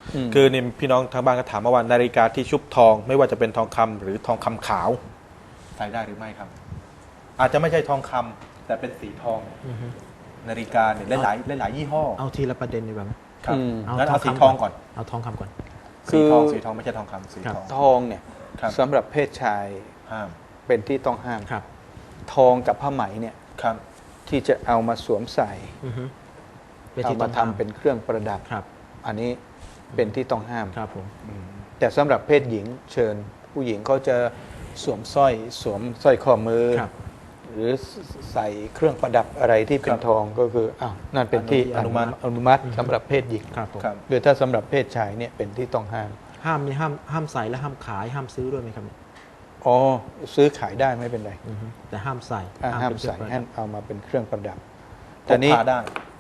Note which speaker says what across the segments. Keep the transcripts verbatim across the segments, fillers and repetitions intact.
Speaker 1: คือนี่พี่น้องทางบ้านก็ถามมาว่านาฬิกาที่ชุบทองไม่ว่าจะเป็นทองคำหรือทองคำขาวใส่ได้หรือไม่ครับอาจจะไม่ใช่ทองคำแต่เป็นสีทองนาฬิกาเนี่ยหลายหลายหลายยี่ห้อ
Speaker 2: เอาทีละประเด็นดีกว่าไหม
Speaker 1: ครับงั้นเอาสีทองก่อน
Speaker 2: เอาทองคำก่อน
Speaker 1: สีทองสีทองไม่ใช่ทองคำสีทอง
Speaker 3: ทองเนี่ยสำหรับเพศชาย
Speaker 1: ห้าม
Speaker 3: เป็นที่ต้องห้าม
Speaker 2: ครับ
Speaker 3: ทองกับผ้าไหมเนี่ย
Speaker 1: ครับ
Speaker 3: ที่จะเอามาสวมใส่เอามาทำเป็นเครื่องประดับอันนี้เป็นที่ต้องห้าม
Speaker 2: ครับผม
Speaker 3: แต่สำหรับเพศหญิงเชิญผู้หญิงเขาจะสวมสร้อยสวมสร้อยข้อมือหรือใส่เครื่องประดับอะไรที่เป็นทองก็คืออ้าวนั่นเป็นที่อนุมัติอนุมัติสำหรับเพศหญิงหรือถ้าสำหรับเพศชายเนี่ยเป็นที่ต้องห้าม
Speaker 2: ห้ามนี่ห้ามห้ามใส่และห้ามขายห้ามซื้อด้วยไหมครับ
Speaker 3: อ๋อซื้อขายได้ไม่เป็นไร
Speaker 2: แต่ห้ามใส่
Speaker 3: ห้ามใส่ห้ามเอามาเป็นเครื่องประดับ
Speaker 1: แต่นี้พกพาได้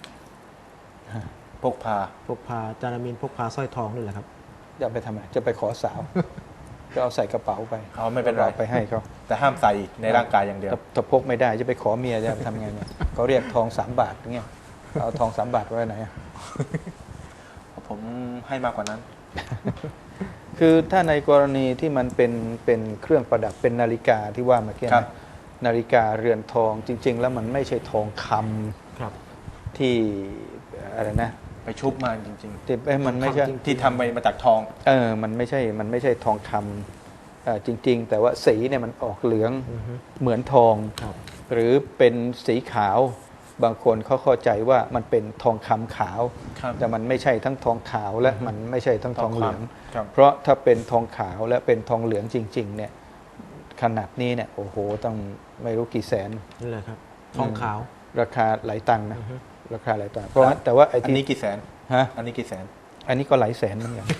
Speaker 1: พกพา
Speaker 2: พกพาจารามินพกพาสร้อยทองด้วยแหละครับ
Speaker 3: จะไปทำไมจะไปขอสาวก็เอาใส่กระเป๋าไป
Speaker 1: เขาไม่เป็นไร
Speaker 3: ไปให้เขา
Speaker 1: แต่ห้ามใส่ในร่างกายอย่างเดียว
Speaker 3: ถ้าพกไม่ได้จะไปขอเมียจะทำไงเนี่ยเขาเรียกทองสามบาทเงี้ยเอาทองสามบาทไว้ไหน
Speaker 1: ผมให้มากกว่านั้น
Speaker 3: คือถ้าในกรณีที่มันเป็นเป็นเครื่องประดับเป็นนาฬิกาที่ว่าเมื่อกี้นะนาฬิกาเรือนทองจริงๆแล้วมันไม่ใช่ทองคำที่อะไรนะ
Speaker 1: ไปชุบมาจริงๆ
Speaker 3: ที่มันไม่ใช่
Speaker 1: ที่ทำไปมาจากทอง
Speaker 3: เออมันไม่ใช่มันไม่ใช่ทองคำจริงๆแต่ว่าสีเนี่ยมันออกเหลืองเหมือนทองหรือเป็นสีขาวบางคนเขาเข้าใจว่ามันเป็นทองคำขาวแต่มันไม่ใช่ทั้งทองขาวและมันไม่ใช่ทั้งทองเหลืองเพราะถ้าเป็นทองขาวและเป็นทองเหลืองจริงๆเนี่ยขนาดนี้เนี่ยโอ้โหต้องไม่รู้กี่แสน
Speaker 2: นี่แหละครับทองขาว
Speaker 3: ราคาหลายตังค์นะราคาหลายตังค์เพราะแต่ว่าไอ้
Speaker 1: ที่อันนี้กี่แสน
Speaker 3: ฮะ
Speaker 1: อันนี้กี่แสน
Speaker 3: อันนี้ก็หลายแสนเหมือนกัน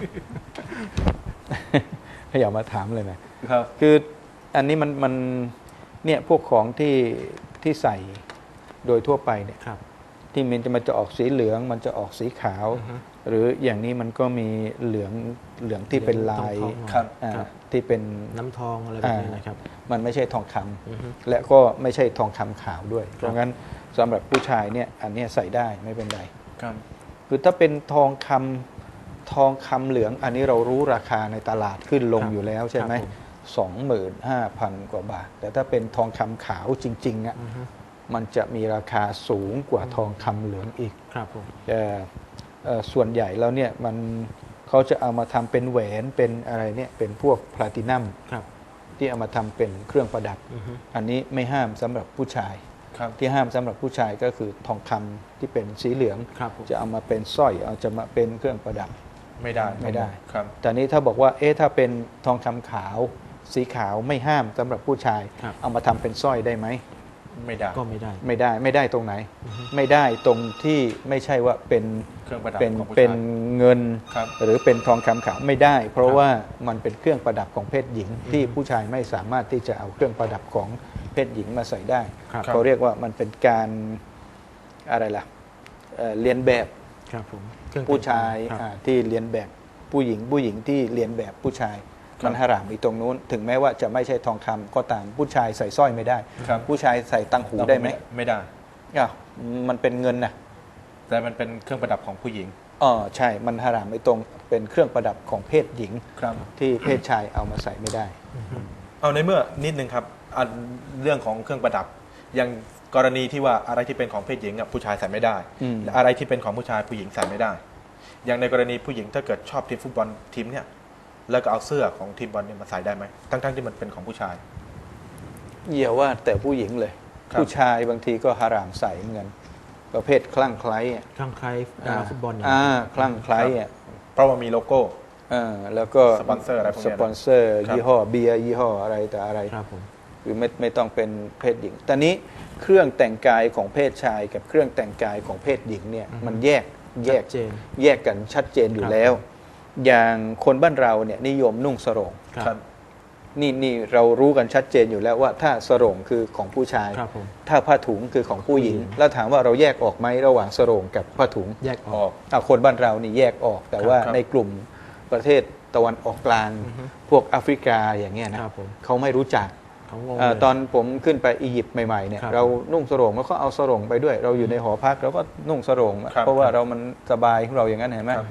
Speaker 3: ถ้าอยากมาถามเลยนะครับคืออันนี้มันมันเนี่ยพวกของที่ที่ใส่โดยทั่วไปเนี่ยที่มันจะมันจะออกสีเหลืองมันจะออกสีขาวหรืออย่างนี้มันก็มีเหลืองเหลืองที่เป็นลายที่เป็น
Speaker 2: น้ำทองอะไรแบบนี้นะครับ
Speaker 3: มันไม่ใช่ทองคำและก็ไม่ใช่ทองคำขาวด้วยเพราะงั้นสำหรับผู้ชายเนี่ยอันนี้ใส่ได้ไม่เป็นไรคือถ้าเป็นทองคำทองคำเหลืองอันนี้เรารู้ราคาในตลาดขึ้นลงอยู่แล้วใช่ไหมสองหมื่นห้าพันกว่าบาทแต่ถ้าเป็นทองคำขาวจริงๆอ่ะมันจะมีราคาสูงกว่าทองคำเหลืองอีก
Speaker 2: ครับผม
Speaker 3: แต่ส่วนใหญ่แล้วเนี่ยมันเขาจะเอามาทำเป็นแหวนเป็นอะไรเนี่ยเป็นพวกแพลตินัมที่เอามาทำเป็นเครื่องประดับอันนี้ไม่ห้ามสำหรับผู้ชายที่ห้ามสำหรับผู้ชายก็คือทองคำที่เป็นสีเหลืองจะเอามาเป็นสร้อยเอาจะมาเป็นเครื่องประดับ
Speaker 1: ไม่ได้
Speaker 3: ไม่ได้แต่นี้ถ้าบอกว่าเอ๊ะถ้าเป็นทองคำขาวสีขาวไม่ห้ามสำหรับผู้ชายเอามาทำเป็นสร้อยได้ไหม
Speaker 1: ไม่ได้
Speaker 2: ก็ไม่ได้
Speaker 3: ไม่ได้ไม่ได้ตรงไหนไม่ได้ตรงที่ไม่ใช่ว่าเป็น
Speaker 1: เครื่องประดับ
Speaker 3: เป็นเป็นเงินหรือเป็นทองคำขาวไม่ได้เพราะว่ามันเป็นเครื่องประดับของเพศหญิงที่ผู้ชายไม่สามารถที่จะเอาเครื่องประดับของเพศหญิงมาใส่ได้เขาเรียกว่ามันเป็นการอะไรล่ะเรียนแบบผู้ชายที่เรียนแบบผู้หญิงผู้หญิงที่เรียนแบบผู้ชายมันหารามอีกตรงนู้นถึงแม้ว่าจะไม่ใช่ทองคำก็ตามผู้ชายใส่สร้อยไม่ได้ผู้ชายใส่ตังหูได้ไหม
Speaker 1: ไม่ได้
Speaker 3: อ่ะมันเป็นเงินนะ
Speaker 1: แต่มันเป็นเครื่องประดับของผู้หญิง
Speaker 3: อ๋อใช่มันหารามอีกตรงเป็นเครื่องประดับของเพศหญิงที่เพศชายเอามาใส่ไม่ได้
Speaker 1: เอาในเมื่อนิดนึงครับเรื่องของเครื่องประดับอย่างกรณีที่ว่าอะไรที่เป็นของเพศหญิงผู้ชายใส่ไม่ได้อะไรที่เป็นของผู้ชายผู้หญิงใส่ไม่ได้อย่างในกรณีผู้หญิงถ้าเกิดชอบทีมฟุตบอลทีมเนี่ยแล้วก็เอาเสื้อของทีมบอลเนี่ยมาใส่ได้ไหมทั้งๆที่มันเป็นของผู้ชาย
Speaker 3: อย่าว่าแต่ผู้หญิงเลยผู้ชายบางทีก็หารามใส่เหมือนกันประเภทคลั่งไคล้
Speaker 2: คลั่งไคล้ดาราฟุตบอล
Speaker 3: อ่าคลั่งไคล้อ่ะ
Speaker 1: เพราะว่ามีโลโก้
Speaker 3: อ่าแล้วก็
Speaker 1: สปอนเซอร์อะไรพวกนี้
Speaker 3: สปอนเซอร์ยี่ห้อเบียร์ยี่ห้ออะไรแต่อะไร
Speaker 2: ครับผม
Speaker 3: คือไม่ไม่ต้องเป็นเพศหญิงแต่นี้เครื่องแต่งกายของเพศชายกับเครื่องแต่งกายของเพศหญิงเนี่ยมันแยกแยกแยกกันชัดเจนอยู่แล้วอย่างคนบ้านเราเนี่ยนิยมนุ่งสรงนี่นี่เรารู้กันชัดเจนอยู่แล้วว่าถ้าสรงคือของผู้ชายถ้าผ้าถุงคือของผู้หญิงแล้วถามว่าเราแยกออกไหมระหว่างสรงกับผ้าถุง
Speaker 2: แยกออก
Speaker 3: คนบ้านเรานี่แยกออกแต่ว่าในกลุ่มประเทศตะวันออกกลางพวกแอฟริกาอย่างเงี้ยนะเขาไม่รู้จักตอนผมขึ้นไปอียิปต์ใหม่ๆเนี่ยเรานุ่งสรงแล้วก็เอาสรงไปด้วยเราอยู่ในหอพักเราก็นุ่งสรงเพราะว่าเรามันสบายของเราอย่างนั้นเห็นไหม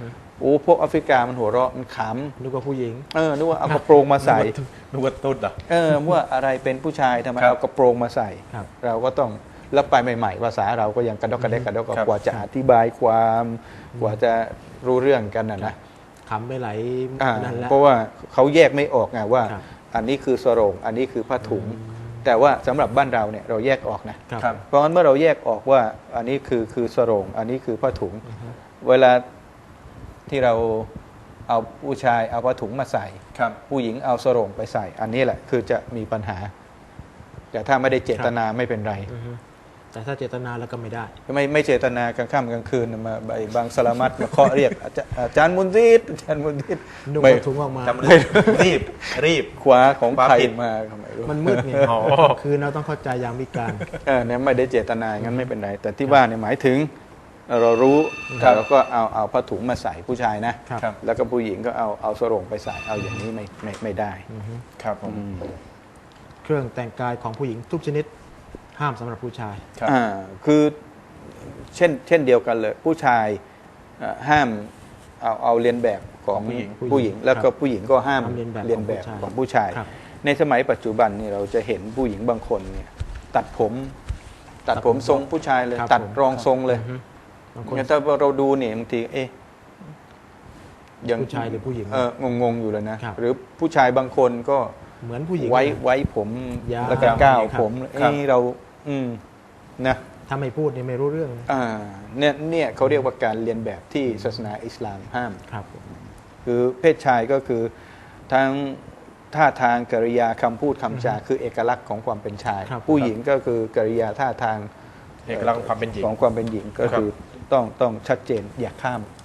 Speaker 3: โอ้พวกแอฟริกามันหัวเราะมันข
Speaker 2: นึกว่าผู้หญิง
Speaker 3: ำเออนึกว่าเอากระโปรงมาใส่
Speaker 1: นึกว่าตุ๊ดเหรอ
Speaker 3: เออว่าอะไรเป็นผู้ชายทำไม
Speaker 1: ครับ
Speaker 3: เอากระโปรงมาใส่
Speaker 2: ครับ
Speaker 3: เราก็ต้องแล้วไปใหม่ๆภาษาเราก็ยังกระดอกกระเดกกระดอก
Speaker 1: ครับ
Speaker 3: กว่าจะอธิบายความกว่าจะรู้เรื่องกันนะนะ
Speaker 2: ขำไปไหลาย
Speaker 3: อ่า
Speaker 2: นั่นแหละ
Speaker 3: เพราะว่าเขาแยกไม่ออกไงว่า
Speaker 2: ครับ
Speaker 3: อันนี้คือสโรงอันนี้คือผ้าถุง แต่ว่าสำหรับบ้านเราเนี่ยเราแยกออกนะครับ
Speaker 1: ครับ
Speaker 3: เพราะงั้นเมื่อเราแยกออกว่าอันนี้คือคือสโรงอันนี้คือผ้าถุง เวลาที่เราเอาผู้ชายเอาผ้าถุงมาใส่
Speaker 1: ครับ
Speaker 3: ผู้หญิงเอาสโรงไปใส่ อันนี้แหละคือจะมีปัญหา แต่ถ้าไม่ได้เจตนาไม่เป็นไร
Speaker 2: อือฮึแต่ถ้าเจตนาแล้วก็ไม่ได้
Speaker 3: ไม่ไม่เจตนากลางค่ำกลางคืนมาใบบางสลามัดมาเคาะเรียกอาจารย์อาจารย์มุนซิดอาจารย์มุนซิด
Speaker 2: นุ่ง
Speaker 3: ไม่
Speaker 2: ผ้าถุงออกมา
Speaker 1: จำเลยรีบรีบ
Speaker 3: คว้าของ
Speaker 1: คว้า
Speaker 3: ใคร
Speaker 1: ผิด
Speaker 3: มาก็ไม่รู้
Speaker 2: มันมืดไง
Speaker 1: อ๋อ
Speaker 2: คือเราต้องเข้าใจยามวิการ
Speaker 3: เออเนี่ยไม่ได้เจตนาอย่างนั้นไม่เป็นไร แต่ที่ว่าเนี่ยหมายถึงเรารู้
Speaker 1: ครับ
Speaker 3: เราก็เอาเอาผ้าถุงมาใส่ผู้ชายนะ
Speaker 2: ครับ
Speaker 1: ครับ
Speaker 3: แล้วก็ผู้หญิงก็เอาเอาสโรงไปใส่เอาอย่างนี้ไม่ไม่ไม่ได้
Speaker 2: อือฮึ
Speaker 1: ครับผม
Speaker 3: อืม
Speaker 2: เครื่องแต่งกายของผู้หญิงทุกชนิด ห้ามสำหรับผู้ชาย
Speaker 1: ครับ
Speaker 3: อ่าคือเช่นเช่นเดียวกันเลย ผู้ชายเอ่อห้ามเอาเอาเรียนแบบของ
Speaker 1: ผู้หญิง
Speaker 3: ผู้หญิง แล้วก็ผู้หญิงก็ห้าม
Speaker 2: ห้ามเรียนแบบ
Speaker 3: เรียนแบบ
Speaker 2: ของ
Speaker 3: ของ
Speaker 2: ผู้
Speaker 3: ผู้
Speaker 2: ชา
Speaker 3: ชาย ย
Speaker 2: ครับ
Speaker 3: ในสมัยปัจจุบันนี่เราจะเห็นผู้หญิงบางคนเนี่ยตัดผม ตัดผมทรงผู้ชายเลย
Speaker 2: ครับ
Speaker 3: ตัด
Speaker 2: ผม
Speaker 3: รองทรงเลย
Speaker 2: อือฮึบางคน
Speaker 3: งั้นถ้าเราดูเนี่ยบางทีเอ๊ะยัง
Speaker 2: ผู้ชายหรือผู้หญิง
Speaker 3: เอองงๆอยู่เลยนะครับ หรือผู้ชายบางคนก็
Speaker 2: เหมือนผู้หญิง
Speaker 3: ไว้ไว้ผม
Speaker 2: ยาว
Speaker 3: แล้วก็ก้าว
Speaker 2: ครับ
Speaker 3: ผม
Speaker 1: ครับ
Speaker 3: เอ้เรา อืมนะ
Speaker 2: ถ้าไม่พูดเนี่ยไม่รู้เรื่อง
Speaker 3: อ่าเนี่ยเนี่ยเขาเรียกว่าการเรียนแบบที่ศาสนาอิสลามห้าม
Speaker 2: ครับผม
Speaker 3: คือเพศชายก็คือทั้งท่าทางกริยาคำพูดคำจาคือเอกลักษณ์ของความเป็นชาย
Speaker 2: ครับ
Speaker 3: ผู้หญิงก็คือกริยาท่าทาง
Speaker 1: เอกลักษณ์ของความเป็นหญิง
Speaker 3: ของความเป็นหญิงก็
Speaker 1: ครับ
Speaker 3: คือต้องต้องชัดเจนอย่าข้าม